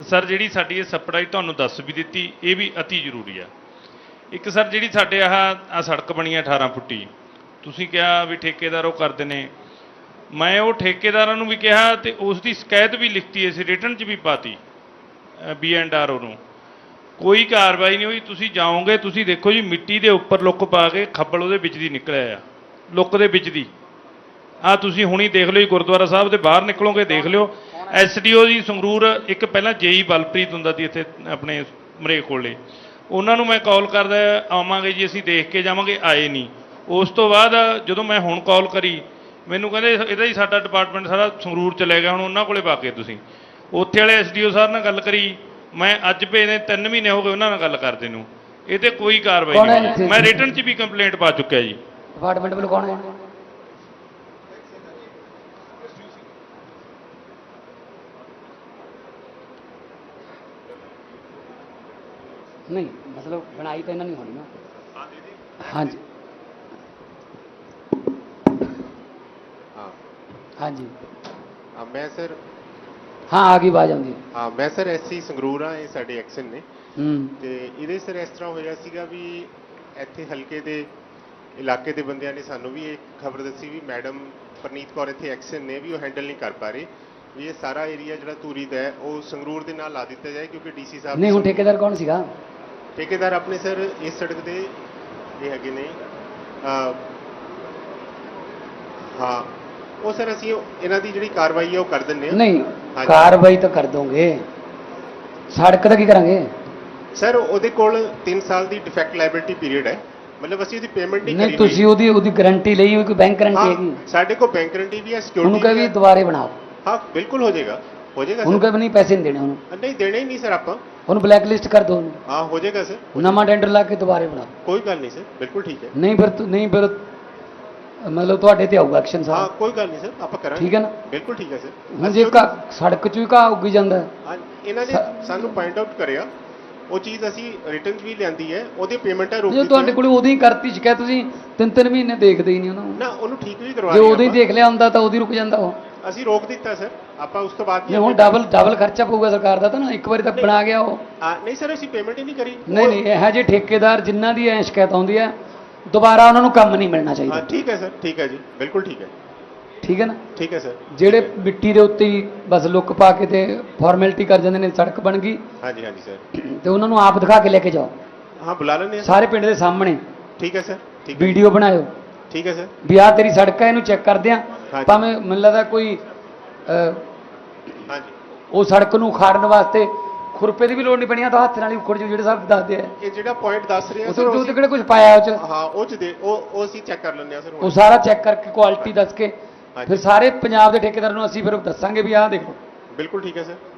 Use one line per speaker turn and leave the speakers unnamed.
Sir ਜਿਹੜੀ ਸਾਡੀ ਇਹ ਸਪਲਾਈ ਤੁਹਾਨੂੰ ਦੱਸ ਵੀ ਦਿੱਤੀ, ਇਹ ਵੀ ਅਤੀ ਜ਼ਰੂਰੀ ਆ। ਇੱਕ ਸਰ ਜਿਹੜੀ ਸਾਡੇ ਆਹ ਸੜਕ ਬਣੀ ਆ 18 ਫੁੱਟੀ, ਤੁਸੀਂ ਕਿਹਾ ਵੀ ਠੇਕੇਦਾਰ ਉਹ ਕਰਦੇ ਨੇ, ਮੈਂ ਉਹ ਠੇਕੇਦਾਰਾਂ ਨੂੰ ਵੀ ਕਿਹਾ ਤੇ ਉਸ ਦੀ ਸ਼ਿਕਾਇਤ ਵੀ ਲਿਖਤੀ ਅਸੀਂ ਰਿਟਨ 'ਚ ਵੀ ਪਾਤੀ B&R ਨੂੰ, ਕੋਈ ਕਾਰਵਾਈ ਨਹੀਂ ਹੋਈ। ਤੁਸੀਂ ਜਾਓਗੇ ਤੁਸੀਂ ਦੇਖੋ ਜੀ ਮਿੱਟੀ ਦੇ ਉੱਪਰ ਲੁੱਕ ਪਾ ਕੇ ਖੱਬਲ ਉਹਦੇ ਵਿੱਚ ਦੀ ਨਿਕਲਿਆ ਆ, ਲੁੱਕ ਦੇ ਵਿੱਚ ਦੀ। ਆਹ ਤੁਸੀਂ ਹੁਣੀ ਦੇਖ ਲਿਓ ਜੀ, ਗੁਰਦੁਆਰਾ ਸਾਹਿਬ ਦੇ ਬਾਹਰ ਨਿਕਲੋਗੇ ਦੇਖ ਲਿਓ। SDO ਜੀ ਸੰਗਰੂਰ, ਇੱਕ ਪਹਿਲਾਂ JE ਬਲਪ੍ਰੀਤ ਹੁੰਦਾ ਸੀ ਇੱਥੇ ਆਪਣੇ ਮਰੇਕ ਕੋਲੇ, ਉਹਨਾਂ ਨੂੰ ਮੈਂ ਕਾਲ ਕਰਦਾ ਆਵਾਂਗੇ ਜੀ ਅਸੀਂ ਦੇਖ ਕੇ ਜਾਵਾਂਗੇ, ਆਏ ਨਹੀਂ। ਉਸ ਤੋਂ ਬਾਅਦ ਜਦੋਂ ਮੈਂ ਹੁਣ ਕਾਲ ਕਰੀ ਮੈਨੂੰ ਕਹਿੰਦੇ ਇਹਦਾ ਹੀ ਸਾਡਾ ਡਿਪਾਰਟਮੈਂਟ ਸਾਰਾ ਸੰਗਰੂਰ ਚਲੇ ਗਿਆ, ਹੁਣ ਉਹਨਾਂ ਕੋਲੇ ਪਾ ਕੇ ਤੁਸੀਂ। ਉੱਥੇ ਵਾਲੇ SDO ਸਾਹਿਬ ਨਾਲ ਗੱਲ ਕਰੀ, ਮੈਂ ਅੱਜ ਭੇਜਦੇ 3 ਮਹੀਨੇ ਹੋ ਗਏ ਉਹਨਾਂ ਨਾਲ ਗੱਲ ਕਰਦੇ ਨੂੰ, ਇਹ ਤੇ ਕੋਈ ਕਾਰਵਾਈ ਨਹੀਂ। ਮੈਂ ਰਿਟਨ 'ਚ ਵੀ ਕੰਪਲੇਂਟ ਪਾ ਚੁੱਕਿਆ ਜੀ।
ਡਿਪਾਰਟਮੈਂਟ ਵੱਲੋਂ ਕੌਣ ਹੈ? नहीं मतलब बनाई तो इन्होंने नहीं होनी ना। हाँ जी हाँ जी
मैं सर
हाँ आ गई आवाज आती।
हाँ मैं सर SC ਸੰਗਰੂਰ ਹਾਂ, ਇਹ ਸਾਡੇ ਐਕਸ਼ਨ ਨੇ ਤੇ ਇਹਦੇ ਸਰ ਇਸ ਤਰ੍ਹਾਂ ਹੋਇਆ ਸੀਗਾ ਵੀ ਇੱਥੇ ਹਲਕੇ ਦੇ ਇਲਾਕੇ ਦੇ ਬੰਦਿਆਂ ਨੇ ਸਾਨੂੰ ਵੀ ਇੱਕ ਖਬਰ ਦੱਸੀ ਵੀ ਮੈਡਮ ਪਰਨੀਤ ਕੌਰ ਇੱਥੇ ਐਕਸ਼ਨ ਨੇ ਵੀ ਉਹ ਹੈਂਡਲ ਨਹੀਂ ਕਰ ਪਾ ਰਹੇ, ਵੀ ਇਹ ਸਾਰਾ ਏਰੀਆ ਜਿਹੜਾ ਧੂਰੀ ਦਾ ਹੈ ਉਹ ਸੰਗਰੂਰ ਦੇ ਨਾਲ ਲਾ ਦਿੱਤਾ ਜਾਏ ਕਿਉਂਕਿ DC ਸਾਹਿਬ
ਨਹੀਂ। ਹੁਣ ਠੇਕੇਦਾਰ ਕੌਣ ਸੀਗਾ?
ਠੇਕੇਦਾਰ ਆਪਣੇ ਸਰ ਇਸ ਸੜਕ ਦੇ ਇਹ ਹੈਗੇ ਨੇ, ਹਾਂ ਉਹ ਸਰ ਅਸੀਂ ਇਹਨਾਂ ਦੀ ਜਿਹੜੀ ਕਾਰਵਾਈ ਹੈ ਉਹ ਕਰ ਦਿੰਦੇ ਹਾਂ।
ਨਹੀਂ ਕਾਰਵਾਈ ਤਾਂ ਕਰ ਦੋਗੇ, ਸੜਕ ਦਾ ਕੀ ਕਰਾਂਗੇ?
ਸਰ ਉਹਦੇ ਕੋਲ 3 ਸਾਲ ਦੀ ਡਿਫੈਕਟ ਲਾਇਬਿਲਿਟੀ ਪੀਰੀਅਡ ਹੈ, ਮਤਲਬ ਅਸੀਂ ਉਹਦੀ ਪੇਮੈਂਟ ਨਹੀਂ ਕਰੀ।
ਨਹੀਂ ਤੁਸੀਂ ਉਹਦੀ ਗਾਰੰਟੀ ਲਈ ਹੋਈ, ਕੋਈ ਬੈਂਕ ਗਾਰੰਟੀ ਹੈਗੀ?
ਸਾਡੇ ਕੋਲ ਬੈਂਕ ਗਾਰੰਟੀ ਵੀ ਹੈ, ਸਿਕਿਉਰਿਟੀ
ਉਹਨੂੰ ਕਹੇ ਵੀ ਦੁਬਾਰੇ ਬਣਾਓ।
ਹਾਂ ਬਿਲਕੁਲ ਹੋ ਜਾਏਗਾ, ਹੋ ਜਾਏਗਾ।
ਉਹਨੂੰ ਕਹੇ ਨਹੀਂ ਪੈਸੇ ਨਹੀਂ ਦੇਣੇ, ਉਹਨੂੰ
ਨਹੀਂ ਦੇਣੇ ਹੀ ਨਹੀਂ ਸਰ ਆਪਾਂ,
ਉਹਨੂੰ ਬਲੈਕ ਲਿਸਟ ਕਰ ਦੋ ਉਹਨੂੰ।
ਹਾਂ ਹੋ ਜਾਏਗਾ ਸਰ,
ਨਵਾਂ ਟੈਂਡਰ ਲਾ ਕੇ ਦੁਬਾਰੇ ਬਣਾਓ।
ਕੋਈ ਗੱਲ ਨਹੀਂ ਸਰ, ਬਿਲਕੁਲ ਠੀਕ ਹੈ।
ਨਹੀਂ ਫਿਰ ਮਤਲਬ ਤੁਹਾਡੇ ਤੇ ਆਊਗਾ ਐਕਸ਼ਨ
ਹਾਂ
ਸਾਹਿਬ।
ਕੋਈ ਗੱਲ ਨਹੀਂ ਸਰ, ਆਪਾਂ ਕਰਾਂਗੇ।
ਠੀਕ ਹੈ ਨਾ?
ਬਿਲਕੁਲ ਠੀਕ ਹੈ ਸਰ।
ਹੁਣ ਜੇ ਸੜਕ 'ਚ ਵੀ ਘਾਹ ਉੱਗੀ ਜਾਂਦਾ,
ਇਹਨਾਂ ਨੇ ਸਾਨੂੰ ਪੁਆਇੰਟ ਆਊਟ ਕਰਿਆ, ਉਹ ਚੀਜ਼ ਅਸੀਂ ਰਿਟਰਨ ਵੀ ਲਿਆਂਦੀ ਹੈ, ਉਹਦੀ ਪੇਮੈਂਟਾਂ ਰੋਕ
ਜੇ ਤੁਹਾਡੇ ਕੋਲ ਉਦੋਂ ਹੀ ਕਰਤੀ ਸ਼ਿਕਾਇਤ, ਤੁਸੀਂ 3-3 ਮਹੀਨੇ ਦੇਖਦੇ ਹੀ ਨਹੀਂ ਉਹਨੂੰ
ਨਾ, ਉਹਨੂੰ ਠੀਕ ਵੀ ਕਰਵਾ
ਜੇ ਉਦੋਂ ਹੀ ਦੇਖ ਲਿਆ ਹੁੰਦਾ ਤਾਂ ਉਦੋਂ ਰੁਕ ਜਾਂਦਾ ਉਹ।
ਅਸੀਂ ਰੋਕ ਦਿੱਤਾ ਸਰ, ਆਪਾਂ ਉਸ ਤੋਂ ਬਾਅਦ
ਨਹੀਂ ਹੁਣ ਡਬਲ ਖਰਚਾ ਪਊਗਾ ਸਰਕਾਰ ਦਾ ਤਾਂ ਨਾ, ਇੱਕ ਵਾਰੀ ਤਾਂ ਬਣਾ ਗਿਆ ਉਹ।
ਨਹੀਂ ਸਰ ਅਸੀਂ ਪੇਮੈਂਟ ਹੀ ਨਹੀਂ ਕਰੀ।
ਨਹੀਂ ਇਹੋ ਜਿਹੇ ਠੇਕੇਦਾਰ ਜਿਨ੍ਹਾਂ ਦੀ ਐ ਸ਼ਿਕਾਇਤ ਆਉਂਦੀ ਹੈ ਦੁਬਾਰਾ ਉਹਨਾਂ ਨੂੰ ਕੰਮ ਨਹੀਂ ਮਿਲਣਾ ਚਾਹੀਦਾ।
ਠੀਕ ਹੈ ਸਰ, ਠੀਕ ਹੈ ਜੀ, ਬਿਲਕੁਲ ਠੀਕ ਹੈ।
ਠੀਕ ਹੈ ਨਾ?
ਠੀਕ ਹੈ ਸਰ।
ਜਿਹੜੇ ਮਿੱਟੀ ਦੇ ਉੱਤੇ ਹੀ ਬਸ ਲੁੱਕ ਪਾ ਕੇ ਤੇ ਫਾਰਮੈਲਿਟੀ ਕਰ ਜਾਂਦੇ ਨੇ, ਸੜਕ ਬਣ ਗਈ।
ਹਾਂਜੀ ਹਾਂਜੀ ਸਰ।
ਤੇ ਉਹਨਾਂ ਨੂੰ ਆਪ ਦਿਖਾ ਕੇ ਲੈ ਕੇ ਜਾਓ।
ਹਾਂ ਬੁਲਾ ਲੈਂਦੇ
ਸਾਰੇ ਪਿੰਡ ਦੇ ਸਾਹਮਣੇ।
ਠੀਕ ਹੈ ਸਰ, ਠੀਕ ਹੈ।
ਵੀਡੀਓ ਬਣਾਇਓ।
ਠੀਕ ਹੈ ਸਰ।
ਵੀ ਆਹ ਤੇਰੀ ਸੜਕ ਹੈ, ਇਹਨੂੰ ਚੈੱਕ ਕਰਦੇ ਆ। ਭਾਵੇਂ ਮੈਨੂੰ ਲੱਗਦਾ ਕੋਈ
ਹਾਂਜੀ
ਉਹ ਸੜਕ ਨੂੰ ਉਖਾੜਨ ਵਾਸਤੇ ਖੁਰਪੇ ਦੀ ਵੀ ਲੋੜ ਨਹੀਂ ਪਣੀ, ਆ ਤਾਂ ਹੱਥ ਨਾਲ ਹੀ ਉਖੜ ਜੂ, ਜਿਹੜੇ ਸਾਹਿਬ ਦੱਸਦੇ ਆ।
ਇਹ ਜਿਹੜਾ ਪੁਆਇੰਟ ਦੱਸ ਰਹੇ ਆ
ਸਰ ਉਹ ਤੇ ਕਿਹੜਾ ਕੁਝ ਪਾਇਆ ਉਹ ਚ?
ਹਾਂ ਉਹ ਚ ਦੇ ਉਹ ਅਸੀਂ ਚੈੱਕ ਕਰ ਲੈਂਦੇ ਆ ਸਰ।
ਉਹ ਸਾਰਾ ਚੈੱਕ ਕਰਕੇ ਕੁਆਲਿਟੀ ਦੱਸ ਕੇ ਫਿਰ ਸਾਰੇ ਪੰਜਾਬ ਦੇ ਠੇਕੇਦਾਰ ਨੂੰ ਅਸੀਂ ਫਿਰ ਦੱਸਾਂਗੇ ਵੀ ਆਹ ਦੇਖੋ।
ਬਿਲਕੁਲ ਠੀਕ ਹੈ ਸਰ।